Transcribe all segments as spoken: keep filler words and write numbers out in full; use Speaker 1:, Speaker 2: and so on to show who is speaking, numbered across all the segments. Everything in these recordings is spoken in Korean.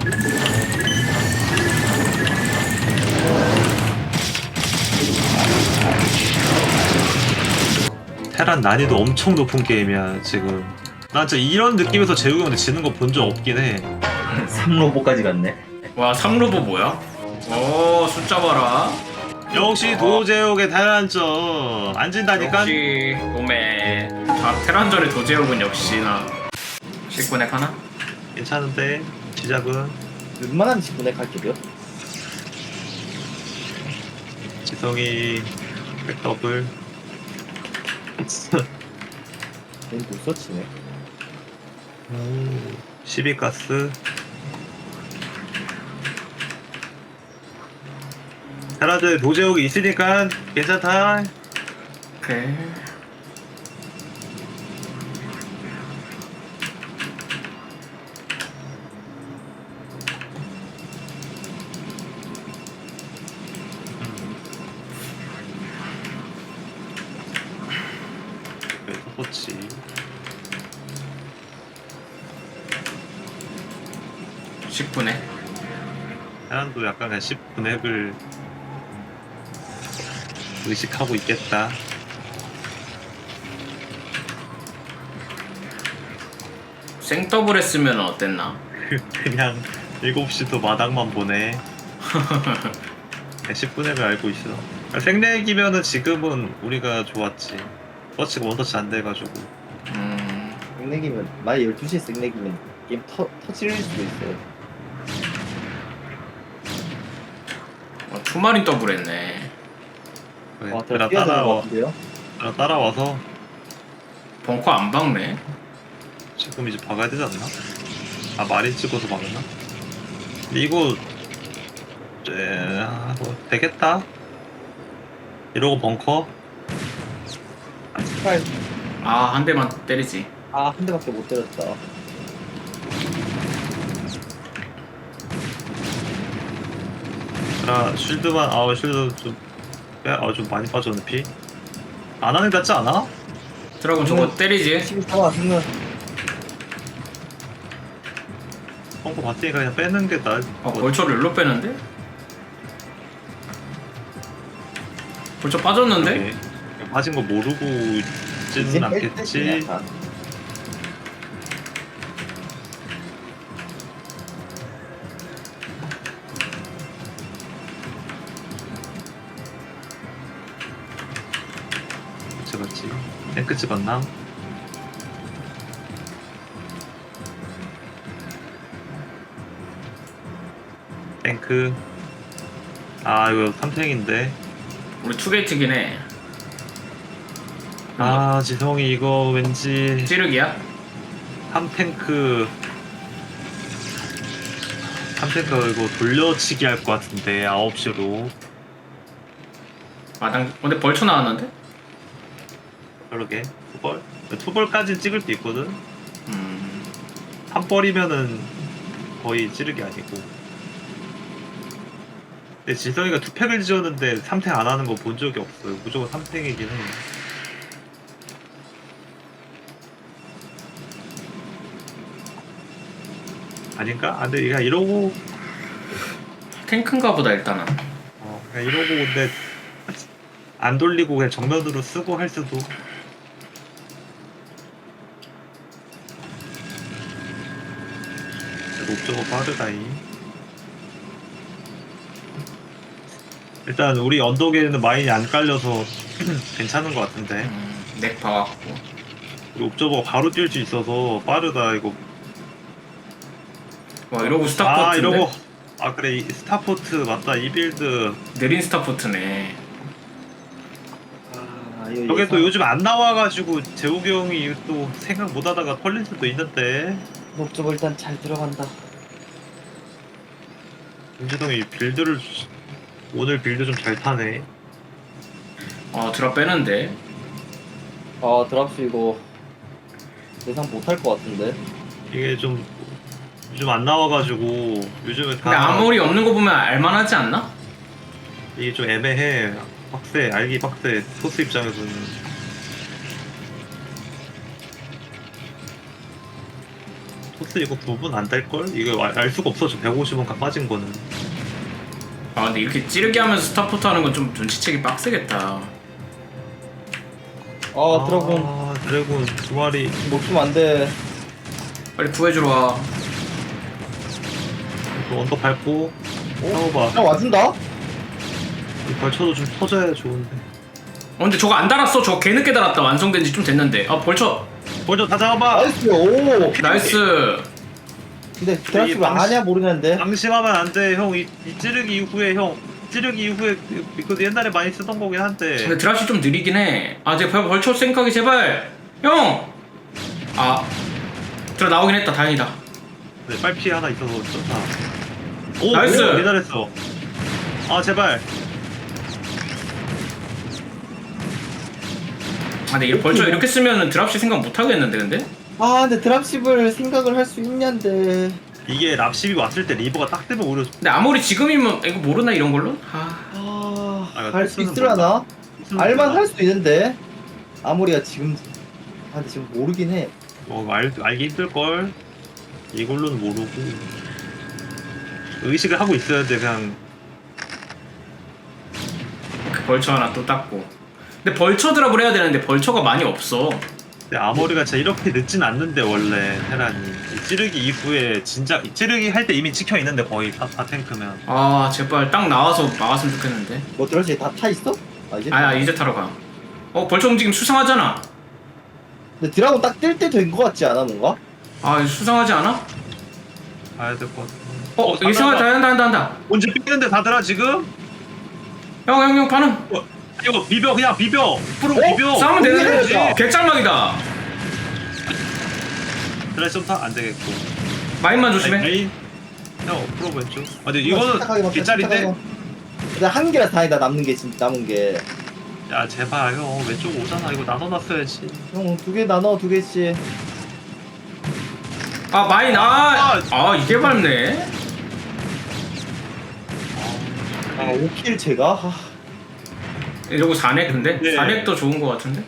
Speaker 1: 테란 난이도 엄청 높은 게임이야 지금. 난 진짜 이런 느낌에서 재욱이 형한테 지는 거 본 적 없긴 해.
Speaker 2: 삼 로보까지 갔네.
Speaker 3: 와 삼 로보 뭐야? 오 숫자 봐라.
Speaker 1: 역시 도제욱의 테란전 안 진다니까.
Speaker 3: 역시 오메. 자 테란전의 도제욱은 역시나 십구 넥 하나?
Speaker 1: 괜찮은데 시작은
Speaker 2: 웬만한 직분에 갈게요.
Speaker 1: 지성이 백더블.
Speaker 2: 넌못 서치네.
Speaker 1: 십이 가스. 테란전에 도제욱이 있으니까 괜찮다.
Speaker 3: 오케이.
Speaker 1: 그렇지.
Speaker 3: 십구 넥.
Speaker 1: 테란도 약간 그냥 십 분액을 의식하고 있겠다.
Speaker 3: 생더블 했으면 어땠나?
Speaker 1: 그냥 일곱 시도 마당만 보네. 십 분액을 알고 있어. 생렉이면은 지금은 우리가 좋았지. 터치가 원터치 안 돼가지고.
Speaker 3: 음.
Speaker 2: 생내기면 만약 열두 시에 생내기면 게임 터, 터치를 수도 있어요.
Speaker 3: 어, 투마린 더블 했네.
Speaker 1: 그래,
Speaker 2: 와,
Speaker 1: 그래
Speaker 2: 더 뛰어드는 것
Speaker 1: 따라와,
Speaker 2: 같은데요?
Speaker 1: 그래 따라와서
Speaker 3: 벙커 안 박네.
Speaker 1: 지금 이제 박아야 되지 않나? 아 마린 찍어서 박나? 근데 이거 에... 아, 뭐 되겠다. 이러고 벙커.
Speaker 2: 스파이.
Speaker 3: 아 한 대만 때리지.
Speaker 2: 아, 한 대밖에 못 때렸다.
Speaker 1: 자 쉴드만 아우 쉴드 좀 빼? 아 좀 많이 빠졌네 피. 안 하는 게 낫지 않아?
Speaker 3: 드라곤 저거 때리지.
Speaker 2: 십사 와, 승은.
Speaker 1: 펑크 봤으니까 그냥 빼는 게 나을
Speaker 3: 아
Speaker 1: 것
Speaker 3: 벌초를 일로 빼는데? 벌초 빠졌는데?
Speaker 1: 같아. 빠진 거 모르고 있지는 않겠지. 찍었지. 탱크 찍었나? 탱크. 아 이거 삼탱인데.
Speaker 3: 우리 투게이트긴 해.
Speaker 1: 아 지성이 이거 왠지
Speaker 3: 찌르기야?
Speaker 1: 삼탱크 삼탱크 이거 돌려치기 할 것 같은데 아홉 시로.
Speaker 3: 마당 근데 벌초 나왔는데?
Speaker 1: 그러게 투벌? 투벌까지 찍을 수 있거든?
Speaker 3: 음.
Speaker 1: 한 벌이면은 거의 찌르기 아니고. 근데 지성이가 투팩을 지었는데 삼탱 안 하는 거 본 적이 없어요. 무조건 삼탱이긴 해. 아닌가? 아 근데 그냥 이러고
Speaker 3: 탱크인가 보다 일단은.
Speaker 1: 어 그냥 이러고 근데 안 돌리고 그냥 정면으로 쓰고 할 수도. 옵저버 빠르다이. 일단 우리 언덕에는 마인이 안 깔려서 괜찮은 것 같은데.
Speaker 3: 음, 넥 봐갖고.
Speaker 1: 우리 옵저버가 바로 뛸 수 있어서 빠르다 이거.
Speaker 3: 와 이러고 스타포트인데?
Speaker 1: 아 이러고 아 그래 이 스타포트 맞다 이 빌드.
Speaker 3: 느린 스타포트네.
Speaker 2: 아, 이거
Speaker 1: 저게 또
Speaker 2: 예상-
Speaker 1: 요즘 안 나와가지고 재욱이 형이 또 생각 못하다가 털릴 수도 있는데.
Speaker 2: 목적어 일단 잘 들어간다.
Speaker 1: 윤지동이 빌드를 오늘 빌드 좀 잘 타네.
Speaker 3: 어 드랍 빼는데.
Speaker 2: 아, 드랍스 이거 예상 못할 것 같은데.
Speaker 1: 이게 좀 요즘 안 나와가지고 요즘에 다
Speaker 3: 근데 아무리 없는 거 보면 알만하지 않나?
Speaker 1: 이게 좀 애매해. 빡세 알기 빡세 소스 입장에서는. 토스 이거 부분 안 될걸? 이거 알, 알 수가 없어. 저 백오십 원 빠진 거는.
Speaker 3: 아 근데 이렇게 찌르게 하면서 스타포트 하는 건 좀 눈치채기 빡세겠다.
Speaker 2: 아 드라군
Speaker 1: 아, 드래곤 두 마리.
Speaker 2: 먹으면 안돼.
Speaker 3: 빨리 구해주러 와.
Speaker 1: 또 언덕 밟고. 싸워봐.
Speaker 2: 야 와준다?
Speaker 1: 이 벌쳐도 좀 터져야 좋은데.
Speaker 3: 어 근데 저거 안 달았어. 저거 개늦게 달았다. 완성된 지 좀 됐는데. 아 벌쳐.
Speaker 1: 벌쳐 다 잡아봐.
Speaker 2: 나이스. 오.
Speaker 3: 나이스.
Speaker 2: 근데 드랍시 왜
Speaker 1: 방시-
Speaker 2: 아냐 모르겠는데.
Speaker 1: 방심하면 안 돼, 형. 이, 이 찌르기 이후에 형. 찌르기 이후에 이거 옛날에 많이 쓰던 거긴 한데.
Speaker 3: 근데 드랍시 좀 느리긴 해. 아 제발 벌쳐 생각이 제발. 형. 아 들어 나오긴 했다. 다행이다.
Speaker 1: 네, 빨피 하나 있어서 좋다. 오,
Speaker 3: 나이스!
Speaker 1: 오, 기다렸어. 아, 제발.
Speaker 3: 아 근데 이 벌쳐 이렇게 쓰면은 드랍시 생각 못 하겠는데 근데?
Speaker 2: 아 근데 드랍십을 생각을 할 수 있냐인데.
Speaker 1: 이게 랍십이 왔을 때 리버가 딱 되면 오히려
Speaker 3: 근데 아무리 지금이면 이거 모르나 이런 걸로? 아
Speaker 2: 아,
Speaker 1: 아,
Speaker 2: 할 수
Speaker 1: 토스는
Speaker 2: 있으려나?
Speaker 1: 무슨
Speaker 2: 알만
Speaker 1: 소리야.
Speaker 2: 할 수도 있는데. 아무리가 지금. 아 근데 지금 모르긴 해.
Speaker 1: 어, 알, 알기 힘들걸. 이걸로는 모르고. 의식을 하고 있어야 돼, 그냥.
Speaker 3: 그 벌처 하나 또 땄고. 근데 벌처 드랍을 해야 되는데 벌처가 많이 없어.
Speaker 1: 근데 아머리가 진짜 이렇게 늦진 않는데, 원래, 테란이. 이 찌르기 이후에 진짜, 이 찌르기 할 때 이미 찍혀 있는데, 거의 다, 다 탱크면.
Speaker 3: 아 제발 딱 나와서 막았으면 좋겠는데.
Speaker 2: 뭐 드랍시 다 타 있어? 아 이제.
Speaker 3: 아야 이제 타러 가. 어 벌처 움직임 수상하잖아.
Speaker 2: 근데 드라군 딱 뜰 때 된 거 같지 않아 뭔가?
Speaker 3: 아 이거 수상하지 않아?
Speaker 1: 가야 될 것 같아.
Speaker 3: 어 이상하다. 한다 한다 한다.
Speaker 1: 언제 삐는데 다들아, 지금?
Speaker 3: 형 형 형 반응.
Speaker 1: 어, 이거 비벼, 그냥 비벼! 프로
Speaker 2: 어?
Speaker 1: 비벼!
Speaker 3: 싸우면 되는데.
Speaker 2: 되겠다.
Speaker 3: 개짤막이다.
Speaker 1: 드라이브 안 되겠고.
Speaker 3: 마인만 조심해.
Speaker 1: 메인. 형, 프로 왼쪽. 아, 근데 이거는 뒷자리인데?
Speaker 2: 근데 한 개라 다행이다 남는 게 진짜 남은 게.
Speaker 1: 야, 제발, 형. 왼쪽 오잖아. 이거 나눠놨어야지.
Speaker 2: 형 두 개 나눠 두 개씩.
Speaker 3: 아 마인 아, 아 이게 밟네.
Speaker 2: 아 오 킬 제가? 아,
Speaker 3: 이러고 사넥 근데?
Speaker 1: 네.
Speaker 3: 사넥도 좋은 거 같은데?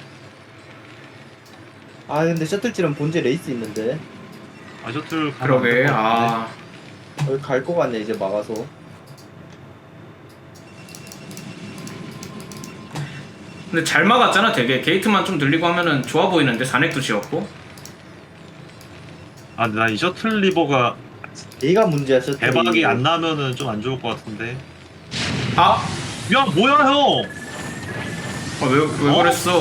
Speaker 2: 아 근데 셔틀질은 본체 레이스 있는데
Speaker 1: 아, 셔틀 가면
Speaker 3: 그러게.
Speaker 1: 안될것 같은데.
Speaker 3: 아
Speaker 2: 여기 갈 거 같네 이제 막아서.
Speaker 3: 근데 잘 막았잖아 되게. 게이트만 좀 늘리고 하면은 좋아 보이는데. 사넥도 지었고.
Speaker 1: 아, 근데 나 이 셔틀 리버가
Speaker 2: 얘가 문제야 셔틀.
Speaker 1: 대박이 안 나면은 좀 안 좋을 것 같은데.
Speaker 3: 아!
Speaker 1: 야, 뭐야, 형!
Speaker 3: 아, 왜, 왜
Speaker 1: 어?
Speaker 3: 그랬어?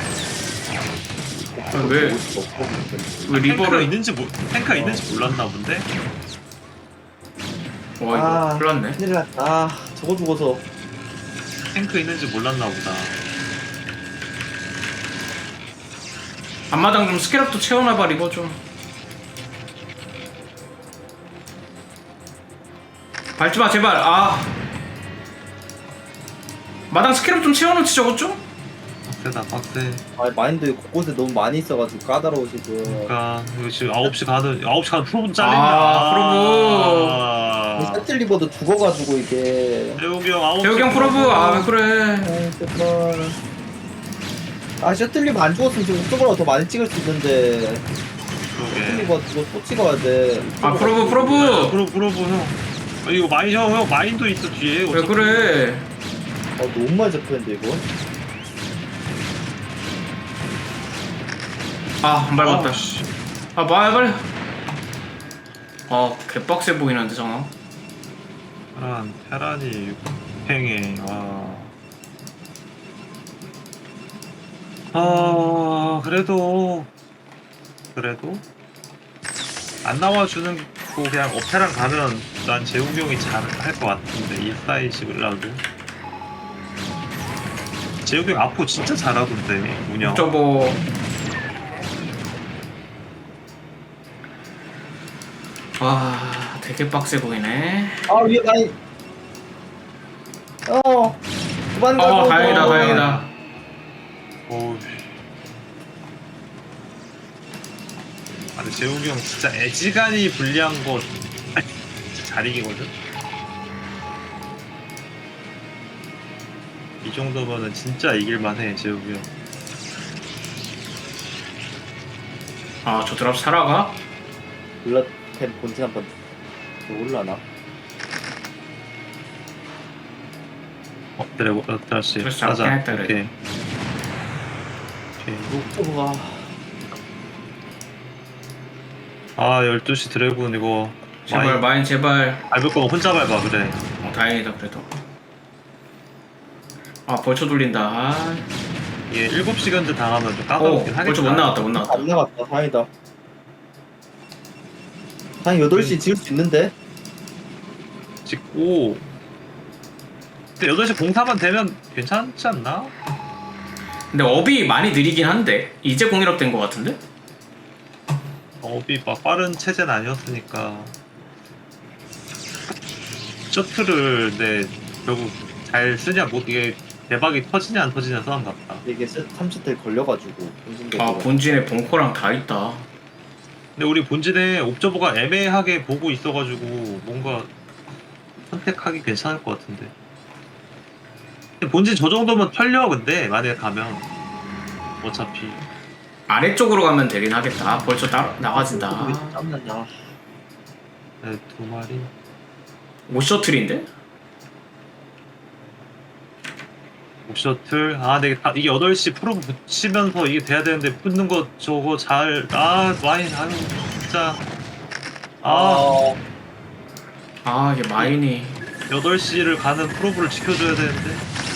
Speaker 3: 아, 왜, 왜
Speaker 1: 탱크가
Speaker 3: 리버를.
Speaker 1: 있는지, 모, 탱크가 있는지 몰랐나 본데?
Speaker 3: 와, 이거
Speaker 2: 아,
Speaker 3: 큰일 났네.
Speaker 2: 큰일 났다. 아, 저거 죽어서.
Speaker 1: 탱크 있는지 몰랐나 보다.
Speaker 3: 앞마당 좀 스케럽도 채워놔봐, 리버 좀. 밟지마, 제발. 아. 마당 스케럽 좀 채워놓지, 저것 좀?
Speaker 1: 빡세다, 빡세.
Speaker 2: 아 마인드 곳곳에 너무 많이 있어가지고 까다로워 지금.
Speaker 1: 그니까, 이거 지금 아홉 시 가는, 아홉 시 가는 프로분 잘린다.
Speaker 3: 아, 프로브.
Speaker 1: 아,
Speaker 2: 셔틀 리버도 죽어가지고 이게.
Speaker 1: 재욱이 형, 아홉 시.
Speaker 3: 재욱이 형 프로브. 아, 왜 그래.
Speaker 2: 아 제발. 아 셔틀 리버 안 죽었으면 지금 옥토버가 더 많이 찍을 수 있는데. 셔틀
Speaker 1: 그러게.
Speaker 2: 리버 이거 또 찍어야 돼.
Speaker 3: 아, 프로브,
Speaker 1: 야,
Speaker 3: 프로브.
Speaker 1: 프로, 프로브, 형. 아, 이거 마인, 형, 형, 마인도 있어, 뒤에.
Speaker 3: 왜 그래.
Speaker 2: 아 너무 많이 잡혔는데 이거.
Speaker 3: 아, 안 밟았다.
Speaker 1: 아, 씨.
Speaker 3: 아, 말, 빨리. 아, 개빡세 보이는데, 정아.
Speaker 1: 테란, 테란이 팽해, 와. 아, 그래도, 그래도, 안 나와주는 거 그냥 업테랑 가면 난 재욱이 형이 잘 할 것 같은데, 이 사이식을 나도. 재욱이 형 앞으로 진짜 잘하던데, 운영.
Speaker 3: 저거. 아, 되게 빡세 보이네.
Speaker 2: 아 위에 많이. 어. 그만 가고.
Speaker 3: 어, 다행이다, 다행이다.
Speaker 1: 어우. 아, 근데 재욱이 형 진짜 애지간히 불리한 거 진짜 잘 이기거든? 이 정도면은 진짜 이길만해, 재욱이 형.
Speaker 3: 아, 저 드랍 살아가?
Speaker 2: 블라템 본진 한번 더 올라나?
Speaker 1: 어, 드래곤, 어, 다시.
Speaker 3: 그래서
Speaker 1: 가자.
Speaker 3: 잡긴 했다, 그래.
Speaker 1: 오케이. 오케이.
Speaker 2: 옥토버가
Speaker 1: 아, 열두 시 드래곤 이거.
Speaker 3: 제발
Speaker 1: 마인
Speaker 3: 마인 제발.
Speaker 1: 밟을 거면 혼자 밟아, 그래.
Speaker 3: 어, 다행이다 그래도. 아 벌초 돌린다. 아.
Speaker 1: 이게 일곱 시간째 당하면 좀
Speaker 3: 오
Speaker 1: 까다롭긴 하겠다.
Speaker 3: 벌초 못 나왔다 못 나왔다.
Speaker 2: 안 나갔다. 다행이다. 한 여덟 시 지을 수 있는데?
Speaker 1: 짓고. 근데 여덟 시 공사만 되면 괜찮지 않나?
Speaker 3: 근데 업이 많이 느리긴 한데 이제 공일업 된 것 같은데?
Speaker 1: 업이 막 빠른 체제는 아니었으니까. 셔틀을 내 결국 잘 쓰냐 못 이게 대박이 터지냐 안 터지냐 싸움 같다.
Speaker 2: 이게 삼 초 때 걸려가지고 본진도
Speaker 3: 아 본진에 벙커랑 다 있다.
Speaker 1: 근데 우리 본진에 옵저버가 애매하게 보고 있어가지고 뭔가 선택하기 괜찮을 것 같은데. 근데 본진 저 정도면 털려 근데 만약에 가면 어차피
Speaker 3: 아래쪽으로 가면 되긴 하겠다. 벌초 따 나가진다.
Speaker 2: 짬난다.
Speaker 1: 네, 두 마리.
Speaker 3: 오 셔틀인데?
Speaker 1: 옵셔틀 아 근데 다- 이게 여덟 시 프로 붙이면서 이게 돼야 되는데 붙는 거 저거 잘아 와인 아유 진짜 아
Speaker 2: 아,
Speaker 3: 아 이게 마인이
Speaker 1: 여덟 시를 가는 프로브를 지켜줘야 되는데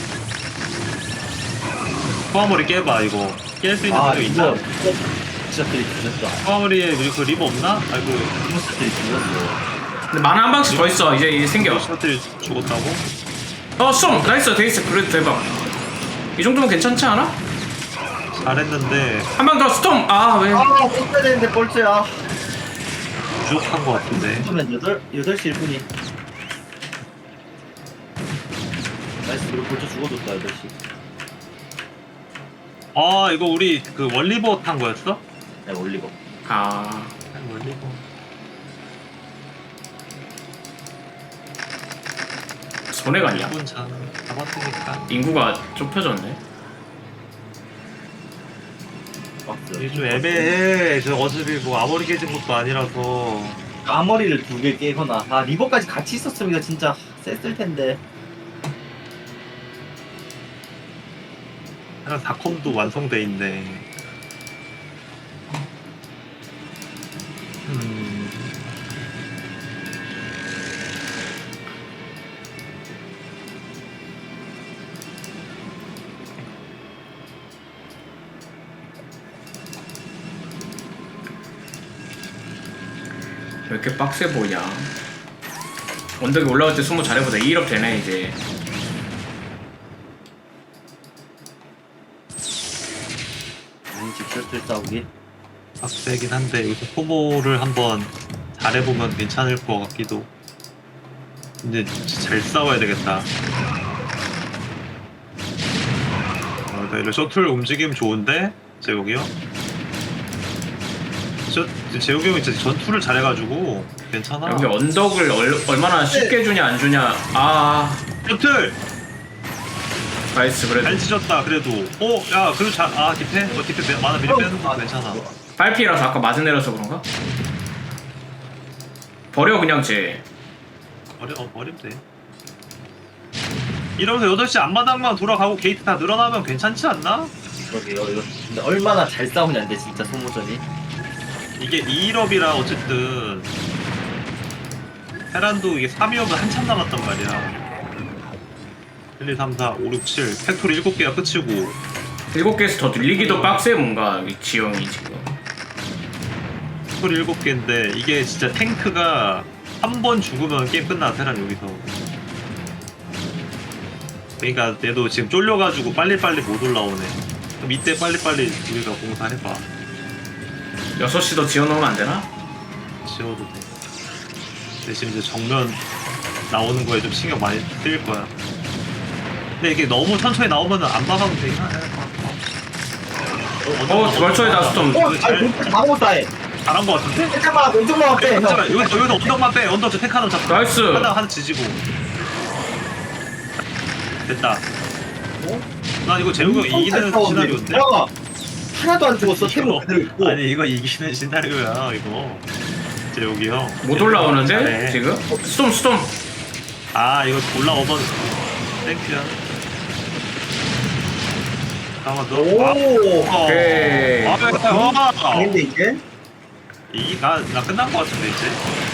Speaker 1: 포화머리 깨봐 이거 깰 수 있는
Speaker 2: 아
Speaker 1: 거
Speaker 2: 이거
Speaker 1: 있나?
Speaker 2: 진짜들이 뒤졌다.
Speaker 1: 포화머리에 우리 그 리버 없나? 아이고
Speaker 2: 디모스들이 뒤졌어.
Speaker 3: 근데 만화 한 방씩 더 있어. 이제 이제 생겨.
Speaker 1: 셔틀이 죽었다고?
Speaker 3: 어 쏨! 나이스 데이스 그래도 대박. 이 정도면 괜찮지 않아?
Speaker 1: 잘했는데
Speaker 3: 한 방 더 스톰! 아 왜?
Speaker 2: 아, 썼어야 되는데 벌써야.
Speaker 1: 부족한 거 같은데
Speaker 2: 그러면 여덟 여덟 시 일 분이. 나이스, 그리고 벌써 죽어줬다 여덟 시.
Speaker 1: 아 이거 우리 그 원리버 탄 거였어?
Speaker 2: 네, 올리고.
Speaker 3: 아
Speaker 1: 원리버
Speaker 3: 손해가 아니야.
Speaker 1: 일본 잘 잡았으니까
Speaker 3: 인구가 좁혀졌네.
Speaker 2: 박스.
Speaker 1: 이게 좀 애매해. 저 어차피 뭐 아무리 깨진 것도 아니라서.
Speaker 2: 앞머리를 두 개 깨거나. 아, 리버까지 같이 있었으면 이거 진짜 셌을 텐데.
Speaker 1: 하나 사컴도 완성돼 있네. 음.
Speaker 3: 왜 이렇게 빡세 보이냐? 언덕에 올라갈 때 숨어 잘해보자. 이 일업 되네 이제.
Speaker 2: 아니, 직설들 싸우기.
Speaker 1: 빡세긴 한데 여기서 소모를 한번 잘해보면 괜찮을 것 같기도. 근데 진짜 잘 싸워야 되겠다. 어, 나 이런 셔틀 움직임 좋은데? 제욱이요? 저, 제욱이 형이 진짜 전투를 잘해가지고 괜찮아.
Speaker 3: 여기 언덕을 얼, 얼마나 쉽게 주냐 안 주냐. 아
Speaker 1: 셔틀!
Speaker 3: 나이스 그래도.
Speaker 1: 잘 치셨다 그래도. 어? 야 그래도 잘.. 아 디페? 어 디페 빼- 만화 미리 빼는 거 괜찮아.
Speaker 3: 빨피라서 아까 맞은 애라서 그런가? 버려 그냥 쟤.
Speaker 1: 버려, 어, 버리면 돼. 이러면서 여덟 시 앞마당만 돌아가고 게이트 다 늘어나면 괜찮지 않나?
Speaker 2: 그러게요. 이거 근데 얼마나 잘 싸우냐인데 진짜 소모전이.
Speaker 1: 이게 이 일업이라 어쨌든 테란도 이게 삼 위업은 한참 남았단 말이야. 일, 이, 삼, 사, 오, 육, 칠 팩토리 일곱 개가 끝이고
Speaker 3: 일곱 개에서 더 늘리기도 빡세 뭔가 이 지형이 지금.
Speaker 1: 팩토리 일곱 개인데 이게 진짜 탱크가 한 번 죽으면 게임 끝나. 테란 여기서. 그러니까 얘도 지금 쫄려가지고 빨리빨리 못 올라오네. 그럼 이때 빨리빨리 우리가 공사해봐.
Speaker 3: 여섯 시 더 지어놓으면 안 되나?
Speaker 1: 지워도 돼. 대신 이제 정면 나오는 거에 좀 신경 많이 쓰일 거야. 근데 이게 너무 천천히 나오면 안 막아도 되긴 하네.
Speaker 3: 어 벌초에 나스톰.
Speaker 2: 어, 아니, 아무것도 안 해.
Speaker 1: 잘한 거 같은데?
Speaker 2: 잠깐만, 왼쪽만 빼. 형.
Speaker 1: 잠깐만 여기서 여기서 언덕만 빼. 언덕 저 탱크 하나 잡고.
Speaker 3: 나이스.
Speaker 1: 하나 하나 지지고. 됐다.
Speaker 2: 어?
Speaker 1: 난 이거 재욱이 형 이기는 시나리오인데.
Speaker 2: 야, 하나도 안 죽었어. 템은 그대로 있고.
Speaker 1: 아니 이거 이기는 시나리오야 이거. 진짜 여기 형.
Speaker 3: 못 올라오는데
Speaker 1: 잘해.
Speaker 3: 지금? 스톰 스톰.
Speaker 1: 아 이거 올라오면 땡큐야. 잠깐만 너.
Speaker 2: 오.
Speaker 1: 아,
Speaker 3: 오케이.
Speaker 1: 아, 아, 아,
Speaker 2: 아닌데 이제?
Speaker 1: 이나 나 끝난 거 같은데 이제.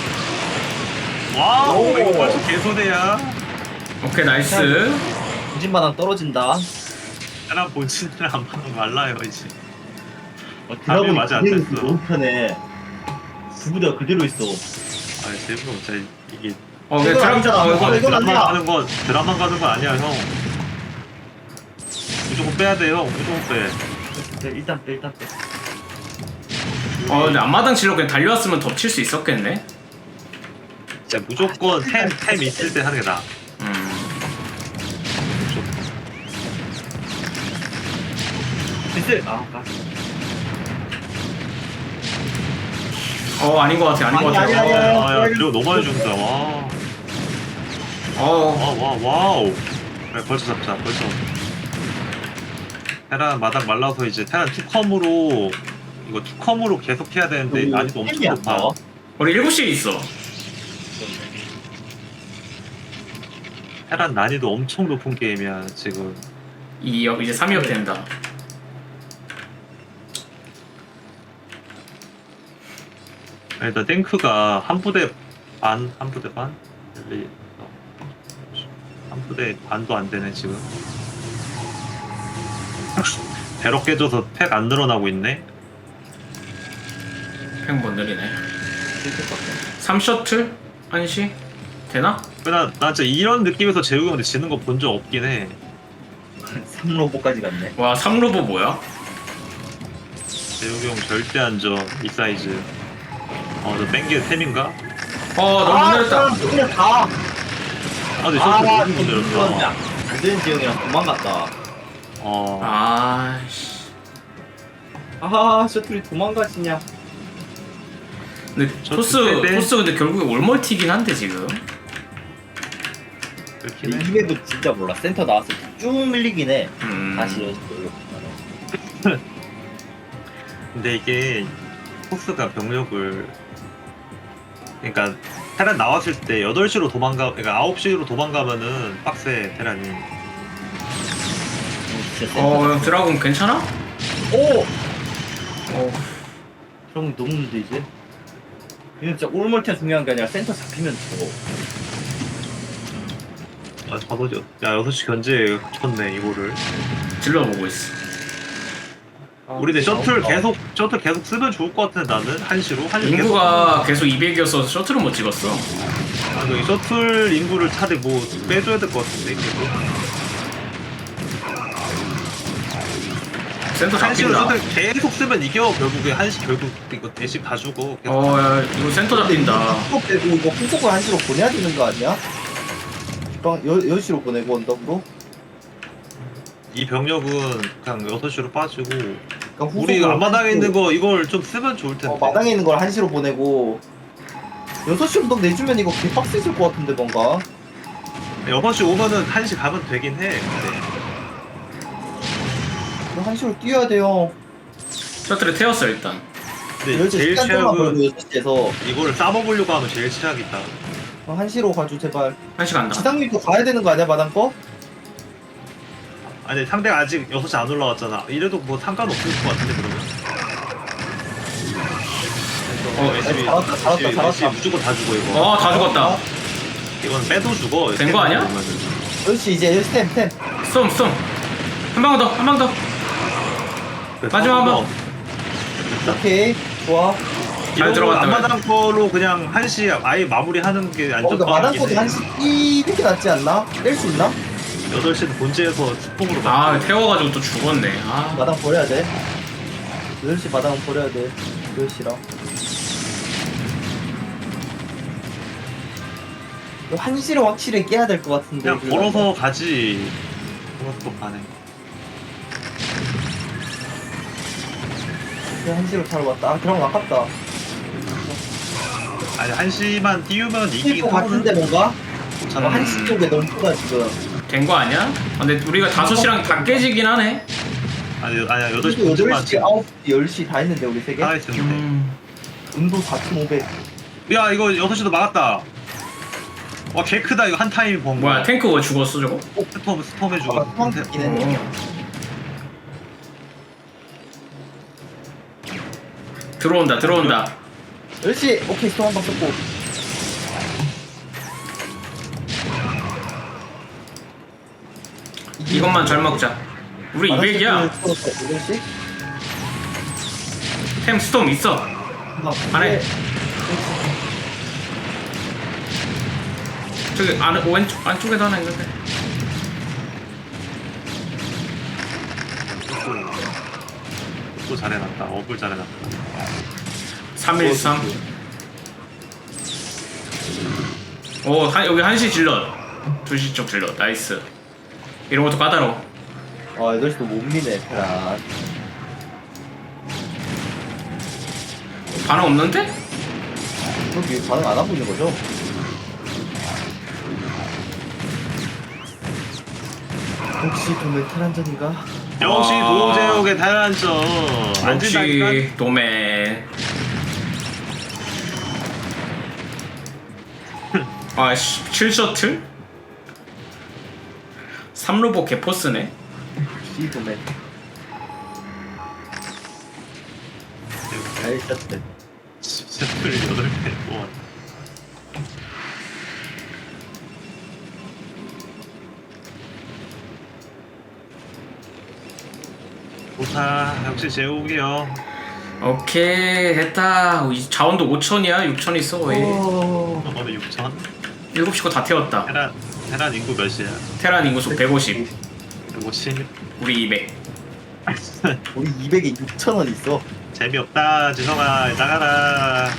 Speaker 1: 와우
Speaker 2: 오.
Speaker 1: 이거 벌써 개소대야.
Speaker 3: 오케이 나이스.
Speaker 2: 부진마당 떨어진다.
Speaker 1: 하나 본진을 안 받는 말라요 이제.
Speaker 2: 어,
Speaker 1: 답이
Speaker 2: 드라곤이
Speaker 1: 맞아 안
Speaker 2: 그대로
Speaker 1: 됐어.
Speaker 2: 너무 편해. 두부대가 그대로 있어.
Speaker 1: 아 제부가 진짜 이게
Speaker 3: 어 왜
Speaker 2: 이건
Speaker 3: 드럼
Speaker 2: 아니잖아.
Speaker 3: 어,
Speaker 2: 이건
Speaker 3: 이거
Speaker 2: 이건
Speaker 1: 드라마
Speaker 2: 아니야.
Speaker 1: 가는 거 드라마 가는 거 아니야 형. 무조건 빼야 돼요. 무조건 빼.
Speaker 2: 네, 일단 빼 일단 빼.
Speaker 3: 어 근데 앞마당 질러 그냥 달려왔으면 덮칠 수 있었겠네.
Speaker 1: 진짜 무조건 템 템 있을 때 하는 게 나아.
Speaker 3: 음.
Speaker 2: 됐을. 아, 아.
Speaker 3: 어 아닌 것 같아 아닌 것
Speaker 2: 아니,
Speaker 3: 같아.
Speaker 2: 아니, 아니, 아니.
Speaker 1: 아야 그리고 너무 많이 준다. 와.
Speaker 3: 어
Speaker 1: 와, 와, 와우. 그래, 벌써 잡자, 벌써. 테란 마당 말라서 이제 테란 투컴으로, 이거 투컴으로 계속 해야 되는데, 난이도 엄청
Speaker 2: 템이 안
Speaker 1: 높아.
Speaker 2: 나와.
Speaker 3: 우리 일곱 시에 있어.
Speaker 1: 테란 난이도 엄청 높은 게임이야, 지금.
Speaker 3: 이 역 이제 삼 역 된다.
Speaker 1: 일단 탱크가 한 부대 반, 한 부대 반? 일, 이, 어, 한 부대 반도 안 되네, 지금. 배럭 깨져서 팩 안 늘어나고 있네?
Speaker 3: 팽못 느리네. 삼 셔틀 한 시 되나?
Speaker 1: 나, 나 진짜 이런 느낌에서 재욱이 형한테 지는 거 본 적 없긴 해.
Speaker 2: 삼 로보까지 갔네.
Speaker 3: 와 삼 로보 뭐야?
Speaker 1: 재욱이 형 절대 안 져, 이 사이즈. 어, 너 뺑기의 템인가?
Speaker 3: 어 너무
Speaker 2: 아,
Speaker 3: 느렸다.
Speaker 2: 그냥 가.
Speaker 1: 아, 근데
Speaker 2: 아,
Speaker 1: 저거 너무
Speaker 2: 이거
Speaker 1: 힘들었어.
Speaker 2: 안 되는 지형이랑 도망갔다.
Speaker 1: 어,
Speaker 3: 아씨.
Speaker 2: 아, 셔틀이 도망가시냐?
Speaker 3: 근데
Speaker 1: 저
Speaker 3: 토스
Speaker 1: 그때-
Speaker 3: 토스 근데 결국에 올멀티긴 한데 지금.
Speaker 1: 그렇긴 해.
Speaker 2: 이 맵은 진짜 몰라. 센터 나왔을 때 쭉 밀리긴 해.
Speaker 3: 음.
Speaker 2: 다시 연습으로 보면은.
Speaker 1: 근데 이게 포스가 병력을 그러니까 테란 나왔을 때 여덟 시로 도망가 그러니까 아홉 시로 도망가면은 빡세 테란이.
Speaker 2: 진짜 센터.
Speaker 3: 어 형, 드라곤 괜찮아?
Speaker 2: 오!
Speaker 3: 어.
Speaker 2: 그럼 너무 문제 이제. 이건 진짜 올멀티가 중요한 게 아니라 센터 잡히면 죽어.
Speaker 1: 아, 다섯 시, 야 여섯 시 견제 쳤네 이거를.
Speaker 3: 질러 보고 있어.
Speaker 1: 우리 내 셔틀 계속 셔틀 계속 쓰면 좋을 것 같은데 나는 한 시로 한 시.
Speaker 3: 인구가 계속 이백이어서 셔틀은 못 찍었어.
Speaker 1: 아, 그 셔틀 인구를 차라리 뭐 빼줘야 될 것 같은데 계속.
Speaker 3: 센터
Speaker 1: 한 시로
Speaker 3: 잡힌다.
Speaker 1: 셔틀 계속 쓰면 이겨 결국에 한 시 결국 이거 대신 다 주고. 계속.
Speaker 3: 어 야, 이거 센터 잡힌다.
Speaker 2: 후속 빼고 이거 후속을 한시로 보내야 되는 거 아니야? 그럼 여, 여시로 보내고 언덕으로?
Speaker 1: 이 병력은 그냥 여섯 시로 빠지고
Speaker 2: 그러니까
Speaker 1: 우리
Speaker 2: 후속을
Speaker 1: 앞마당에
Speaker 2: 한시로-
Speaker 1: 있는 거 이걸 좀 쓰면 좋을 텐데.
Speaker 2: 어, 마당에 있는 걸 한시로 보내고 여섯 시 언덕 내주면 이거 개빡세질 것 같은데 뭔가.
Speaker 1: 여섯 시 오면은 한 시 가면 되긴 해. 근데
Speaker 2: 이거 한시로 뛰어야 돼요.
Speaker 3: 셔틀에 태웠어 일단.
Speaker 1: 근데
Speaker 2: 열시
Speaker 1: 제일
Speaker 2: 시간 동안
Speaker 1: 최악은
Speaker 2: 걸고 여섯 시에서
Speaker 1: 이거를 싸먹으려고 하면 제일 최악이다.
Speaker 2: 한시로 가줘 제발.
Speaker 3: 한 시 간다.
Speaker 2: 지상률도 가야 되는 거 아니야 마당 거?
Speaker 1: 아니 상대가 아직 여섯 시 안 올라왔잖아. 이래도 뭐 상관없을 것 같은데 그러면.
Speaker 3: 어,
Speaker 1: 열심히-
Speaker 2: 잘했다, 잘했다,
Speaker 1: 열심히-
Speaker 2: 잘했다.
Speaker 1: 열심히 무조건 다 죽어 이거.
Speaker 3: 어 다 죽었다.
Speaker 1: 이건 빼도 죽어.
Speaker 3: 된거 아니야?
Speaker 2: 열시 이제 열시 템 템.
Speaker 3: 쏨 쏨. 한 방 더, 한 방 더. 마지막 한 번.
Speaker 2: 오케이 좋아.
Speaker 3: 잘 들어갔다,
Speaker 1: 앞마당 거로 그냥 한 시 아예 마무리하는 게
Speaker 2: 어, 근데
Speaker 1: 안전빵이긴
Speaker 2: 마당 거도
Speaker 1: 해.
Speaker 2: 한시 뛰는 게 낫지 않나? 뺄 수 있나?
Speaker 1: 여덟 시는 본체에서 스포으로
Speaker 3: 아 태워가지고 또 죽었네. 아.
Speaker 2: 마당 버려야 돼. 여덟 시 마당은 버려야 돼. 여덟 시랑. 한 시를 확실히 깨야 될 것 같은데.
Speaker 1: 그냥
Speaker 2: 그거.
Speaker 1: 걸어서 가지. 걸어서 가네.
Speaker 2: 그냥 한 시로 차로 왔다. 아, 그럼 아깝다.
Speaker 1: 아니 한 시만 띄우면 이기긴
Speaker 2: 이길 것 같은데 뭔가?
Speaker 1: 괜찮아.
Speaker 2: 한 시 쪽에 너무 크다 지금.
Speaker 3: 된 거 아니야? 아, 근데 우리가 다섯 시랑 다 깨지긴 하네.
Speaker 1: 아니 아니야 여덟 시
Speaker 2: 그리고
Speaker 1: 본체만
Speaker 2: 여덟 시, 아홉 시, 열 시 다 했는데 우리 세 개?
Speaker 1: 다 했는데.
Speaker 3: 음.
Speaker 2: 운도 사천오백.
Speaker 1: 야 이거 여섯 시도 막았다. 와 개 크다 이거 한 타임 본
Speaker 3: 뭐야
Speaker 1: 거야.
Speaker 3: 탱크 왜 죽었어 저거?
Speaker 1: 어, 스톰 스톰 해주고.
Speaker 2: 아까 투망 듣긴 했네.
Speaker 3: 어. 들어온다 들어온다.
Speaker 2: 열시 오케이 스톰 한방 썼고.
Speaker 3: 이것만 잘 먹자. 우리 이백이야.
Speaker 2: 열시?
Speaker 3: 템 스톰 있어. 안에. 저기 안에 왼쪽 안쪽에도 하나 있는데.
Speaker 1: 또 잘해놨다. 어글 잘해놨다.
Speaker 3: 삼일삼. 오 한, 여기 한시 질럿. 두시 쪽 질럿. 나이스. 이런 것도 까다로워.
Speaker 2: 아 열시도 못 미네 테란.
Speaker 3: 반응 없는데?
Speaker 2: 그렇게 반응 안 하고 있는 거죠? 혹시 도매 테란전인가?
Speaker 1: 역시
Speaker 3: 아.
Speaker 1: 도제욱의 대란점. 안 진다니까.
Speaker 3: 역시 도맨. 아씨 칠 셔틀? 삼 로봇 개포스네.
Speaker 2: 혹시 도매. 잘 쳤대.
Speaker 1: 셔틀 여덟 개 모아. 좋다. 역시 제욱이요.
Speaker 3: 오케이 됐다. 이 자원도 오천이야 육천 있어 거의.
Speaker 2: 오.
Speaker 1: 오늘 육천.
Speaker 3: 일곱 시 거 다 태웠다.
Speaker 1: 테란 테란 인구 몇이야?
Speaker 3: 테란 인구수 백오십.
Speaker 1: 백오십.
Speaker 3: 우리 이백.
Speaker 2: 우리 이백에 육천 원 있어.
Speaker 1: 재미없다. 지성아 나가라.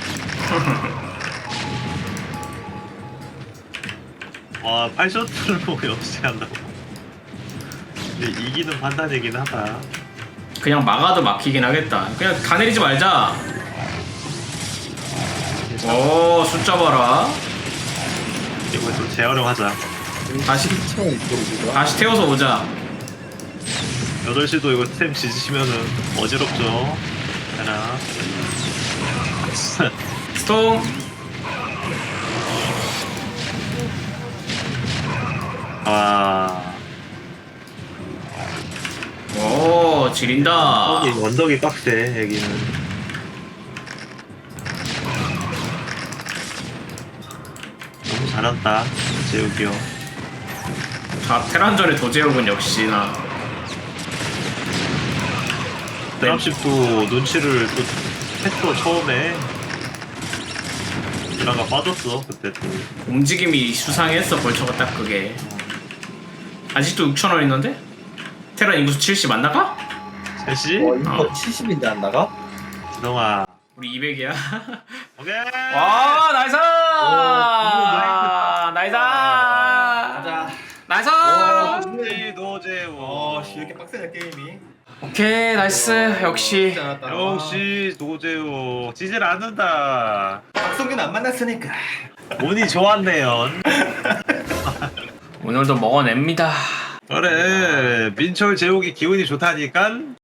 Speaker 1: 와 팔 셔틀로 역시 한다고. 근데 이기는 판단이긴 하다.
Speaker 3: 그냥 막아도 막히긴 하겠다. 그냥 다 내리지 말자. 오 숫자 봐라.
Speaker 1: 이거 좀 재활용하자.
Speaker 3: 다시-
Speaker 2: 칠천 원 있어 우리가.
Speaker 3: 다시 태워서 오자.
Speaker 1: 여덟 시도 이거 템 지지시면은 어지럽죠. 하나.
Speaker 3: 스톰.
Speaker 1: 아.
Speaker 3: 오 지린다.
Speaker 1: 여기 원덕이 빡세 여기는. 너무 잘한다 재욱이요.
Speaker 3: 자 테란전의 도제욱은 역시나.
Speaker 1: 드랍십도 눈치를 또 했어 처음에. 드라가 빠졌어 그때 또.
Speaker 3: 움직임이 수상했어 벌처가 딱 그게. 아직도 육천 원 있는데? 테란 인구수 칠십 안 나가?
Speaker 1: 셋이?
Speaker 2: 와 이거
Speaker 3: 어.
Speaker 2: 칠십인데 안 나가?
Speaker 1: 지성아.
Speaker 3: 우리 이백이야.
Speaker 1: 오케이.
Speaker 3: 와 나이스!
Speaker 2: 오,
Speaker 3: 나이스!
Speaker 2: 가자.
Speaker 3: 나이스!
Speaker 1: 도제 도제우.
Speaker 2: 이렇게 빡세네 게임이.
Speaker 3: 오케이 나이스 역시.
Speaker 1: 역시 도제우 찌질 않는다.
Speaker 2: 박성균 안 만났으니까.
Speaker 1: 운이 좋았네요.
Speaker 3: 오늘도 먹어냅니다.
Speaker 1: 그래 민철 제욱이 기운이 좋다니까